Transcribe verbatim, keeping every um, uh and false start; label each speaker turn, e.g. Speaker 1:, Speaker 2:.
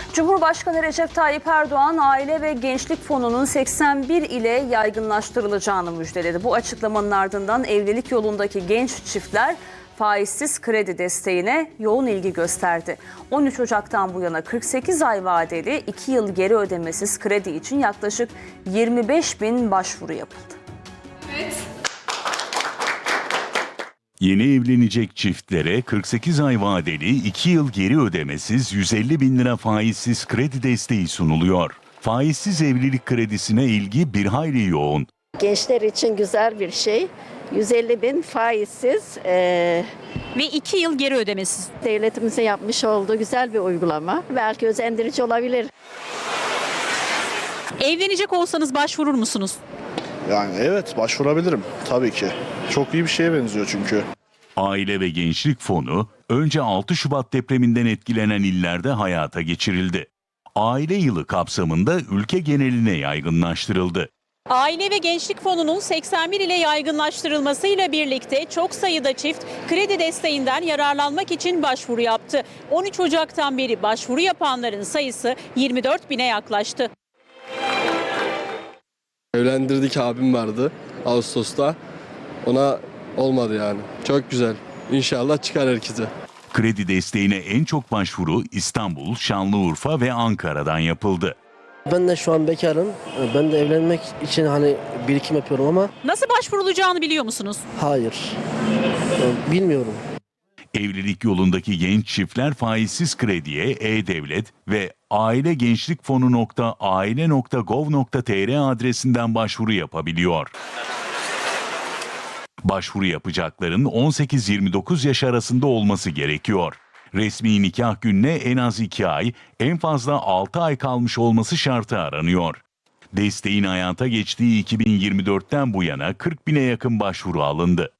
Speaker 1: Cumhurbaşkanı Recep Tayyip Erdoğan Aile ve Gençlik Fonu'nun seksen bir ile yaygınlaştırılacağını müjdeledi. Bu açıklamanın ardından evlilik yolundaki genç çiftler faizsiz kredi desteğine yoğun ilgi gösterdi. on üç Ocak'tan bu yana kırk sekiz ay vadeli iki yıl geri ödemesiz kredi için yaklaşık yirmi beş bin başvuru yapıldı.
Speaker 2: Evet.
Speaker 3: Yeni evlenecek çiftlere kırk sekiz ay vadeli iki yıl geri ödemesiz yüz elli bin lira faizsiz kredi desteği sunuluyor. Faizsiz evlilik kredisine ilgi bir hayli yoğun.
Speaker 4: Gençler için güzel bir şey. yüz elli bin faizsiz e,
Speaker 2: Ve iki yıl geri ödemesiz.
Speaker 4: devletimizin yapmış olduğu güzel bir uygulama. Belki özendirici olabilir.
Speaker 2: Evlenecek olsanız başvurur musunuz?
Speaker 5: Yani evet, başvurabilirim tabii ki. Çok iyi bir şeye benziyor çünkü.
Speaker 3: Aile ve Gençlik Fonu önce altı Şubat depreminden etkilenen illerde hayata geçirildi. Aile yılı kapsamında ülke geneline yaygınlaştırıldı.
Speaker 2: Aile ve Gençlik Fonu'nun seksen bir ile yaygınlaştırılmasıyla birlikte çok sayıda çift kredi desteğinden yararlanmak için başvuru yaptı. on üç Ocak'tan beri başvuru yapanların sayısı yirmi dört bine yaklaştı.
Speaker 6: Evlendirdik, abim vardı Ağustos'ta. Ona olmadı yani. Çok güzel. İnşallah çıkar herkese.
Speaker 3: Kredi desteğine en çok başvuru İstanbul, Şanlıurfa ve Ankara'dan yapıldı.
Speaker 7: Ben de şu an bekarım. Ben de evlenmek için hani birikim yapıyorum ama
Speaker 2: Nasıl başvurulacağını biliyor musunuz?
Speaker 7: hayır. Bilmiyorum.
Speaker 3: Evlilik yolundaki genç çiftler faizsiz krediye E-Devlet ve ailegençlikfonu nokta aile nokta gov nokta tr adresinden başvuru yapabiliyor. Başvuru yapacakların on sekiz yirmi dokuz yaş arasında olması gerekiyor. Resmi nikah gününe en az iki ay, en fazla altı ay kalmış olması şartı aranıyor. Desteğin hayata geçtiği iki bin yirmi dörtten bu yana kırk bine yakın başvuru alındı.